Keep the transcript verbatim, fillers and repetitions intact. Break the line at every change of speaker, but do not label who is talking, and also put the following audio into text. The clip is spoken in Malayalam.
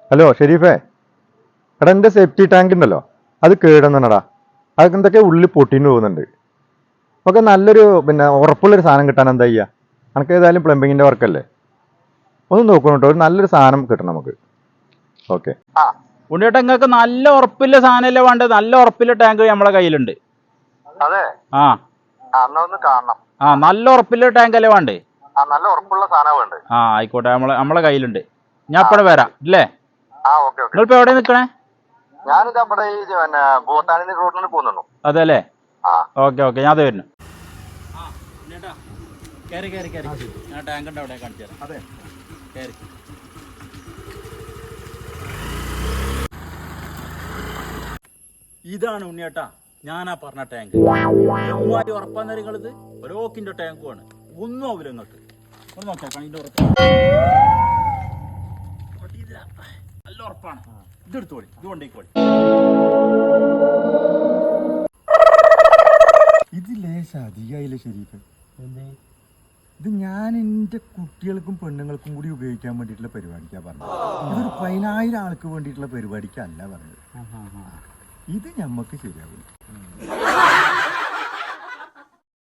ഹലോ ഷെരീഫേ, എടാ എൻ്റെ സേഫ്റ്റി ടാങ്ക് ഉണ്ടല്ലോ അത് കേടുന്നടാ. അതൊക്കെ എന്തൊക്കെ ഉള്ളിൽ പൊട്ടിന് പോകുന്നുണ്ട്. നമുക്ക് നല്ലൊരു പിന്നെ ഉറപ്പുള്ളൊരു സാധനം കിട്ടാൻ എന്താ ചെയ്യുക? നമുക്ക് ഏതായാലും പ്ലംബിങ്ങിൻ്റെ വർക്കല്ലേ, ഒന്ന് നോക്കണം കേട്ടോ. ഒരു നല്ലൊരു സാധനം കിട്ടണം നമുക്ക്. ഓക്കെ.
ആ ഉണ്ണിയേട്ടാ, നിങ്ങൾക്ക് നല്ല ഉറപ്പില്ല സാധനമല്ലേ വേണ്ടത്? നല്ല ഉറപ്പില്ല ടാങ്ക് നമ്മളെ കയ്യിലുണ്ട്.
അതെ,
ആ
അന്ന് ഒന്ന് കാണണം.
ആ നല്ല ഉറപ്പില്ല ടാങ്ക് അല്ലേ വേണ്ടേ?
ആ നല്ല ഉറപ്പുള്ള സാധനം വേണ്ട.
ആ ആയിക്കോട്ടെ, നമ്മളെ നമ്മളെ കയ്യിലുണ്ട്. ഞാൻ ഇപ്പഴേ വരാം ഇല്ലേ?
ആ ഓക്കെ ഓക്കെ.
നിങ്ങളിപ്പോ എവിടെ നിൽക്കണേ?
ഞാനിത് അവിടെ ഈ പിന്നെ ഭൂത്താനി റോഡിൽ പോകുന്നുള്ളൂ.
അതെ അല്ലേ?
ആ
ഓക്കെ ഓക്കെ, ഞാൻ അത് വരുന്നു. ഞാൻ ടാങ്ക് ഉണ്ട് അവിടെ കാണിച്ചു തരാം. അതെ, ഇതാണ് ഉണ്ണിയേട്ടാ ഞാനാ പറഞ്ഞ ടാങ്ക്. എമ്മാരി ഉറപ്പാന്ന് നിങ്ങളിത് ഓരോക്കിന്റെ ടാങ്കുമാണ്. ഒന്നും ആവില്ല നിങ്ങൾക്ക്. ഒന്ന് നോക്കാം, ഇതിന്റെ ഉറപ്പ് നല്ല ഉറപ്പാണ്. ഇതെടുത്തോളി, ഇത് കൊണ്ടേക്കോളി.
ഇത് ലേശ അധികമായില്ലേ ഷെരീഫ്? ഇത് ഞാൻ എൻ്റെ കുട്ടികൾക്കും പെണ്ണുങ്ങൾക്കും കൂടി ഉപയോഗിക്കാൻ വേണ്ടിയിട്ടുള്ള പരിപാടിക്കാണ് പറഞ്ഞത്. ഇതൊരു പതിനായിരം ആൾക്ക് വേണ്ടിയിട്ടുള്ള പരിപാടിക്കല്ല പറഞ്ഞത്. ഇത് ഞമ്മക്ക് ശരിയാവില്ല.